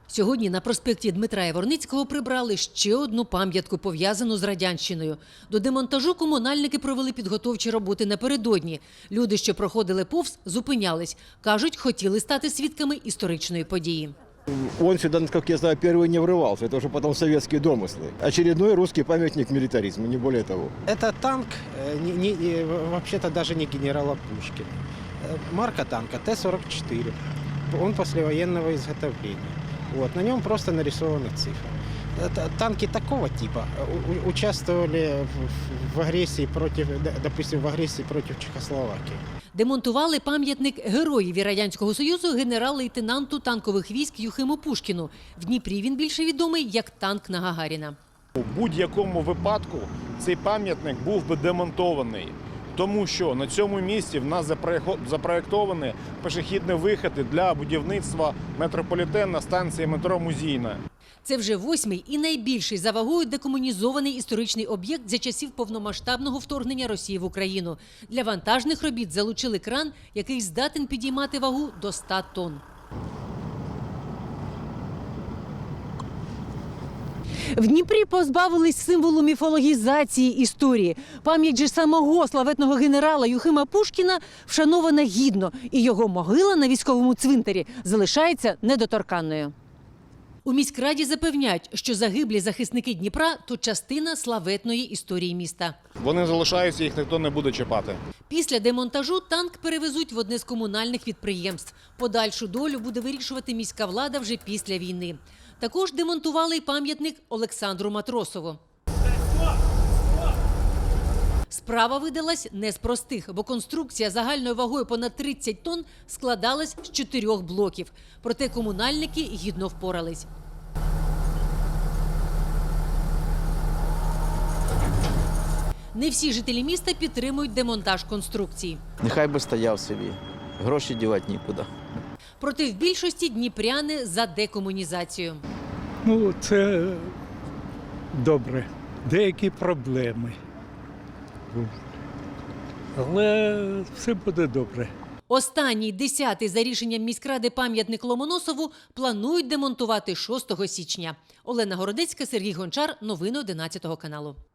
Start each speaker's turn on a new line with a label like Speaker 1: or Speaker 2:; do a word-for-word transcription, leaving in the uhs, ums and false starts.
Speaker 1: Сьогодні на проспекті Дмитра Яворницького прибрали ще одну пам'ятку, пов'язану з радянщиною. До демонтажу комунальники провели підготовчі роботи напередодні. Люди, що проходили повз, зупинялись. Кажуть, хотіли стати свідками історичної події.
Speaker 2: Он сюда, как я знаю, первый не врывался. Это уже потом советские домыслы. Очередной русский памятник милитаризма, не более того.
Speaker 3: Это танк, не, не, вообще-то даже не генерала Пушкина. Марка танка Т сорок четыре. Он послевоенного изготовления. Вот, на нем просто нарисованы цифры. Это танки такого типа участвовали в, в агрессии против, допустим, в агрессии против Чехословакии.
Speaker 1: Демонтували пам'ятник героїві Радянського Союзу генерал-лейтенанту танкових військ Юхиму Пушкіну. В Дніпрі він більше відомий як танк на Гагаріна.
Speaker 4: У будь-якому випадку цей пам'ятник був би демонтований, тому що на цьому місці в нас запроєктовані пішохідні виходи для будівництва метрополітену на станції метро Музійна.
Speaker 1: Це вже восьмий і найбільший за вагою декомунізований історичний об'єкт за часів повномасштабного вторгнення Росії в Україну. Для вантажних робіт залучили кран, який здатен підіймати вагу до ста тонн. В Дніпрі позбавились символу міфологізації історії. Пам'ять же самого славетного генерала Юхима Пушкіна вшанована гідно, і його могила на військовому цвинтарі залишається недоторканною. У міськраді запевняють, що загиблі захисники Дніпра – то частина славетної історії міста.
Speaker 4: Вони залишаються, їх ніхто не буде чіпати.
Speaker 1: Після демонтажу танк перевезуть в одне з комунальних підприємств. Подальшу долю буде вирішувати міська влада вже після війни. Також демонтували й пам'ятник Олександру Матросову. Справа видалась не з простих, бо конструкція загальною вагою понад тридцять тонн складалась з чотирьох блоків. Проте комунальники гідно впорались. Не всі жителі міста підтримують демонтаж конструкції.
Speaker 5: Нехай би стояв собі, гроші дівати нікуди.
Speaker 1: Проте в більшості дніпряни за декомунізацію.
Speaker 6: Ну, це добре. Деякі проблеми. Але все буде добре.
Speaker 1: Останній, десятий за рішенням міськради пам'ятник Ломоносову планують демонтувати шостого січня. Олена Городецька, Сергій Гончар. Новини одинадцятого каналу.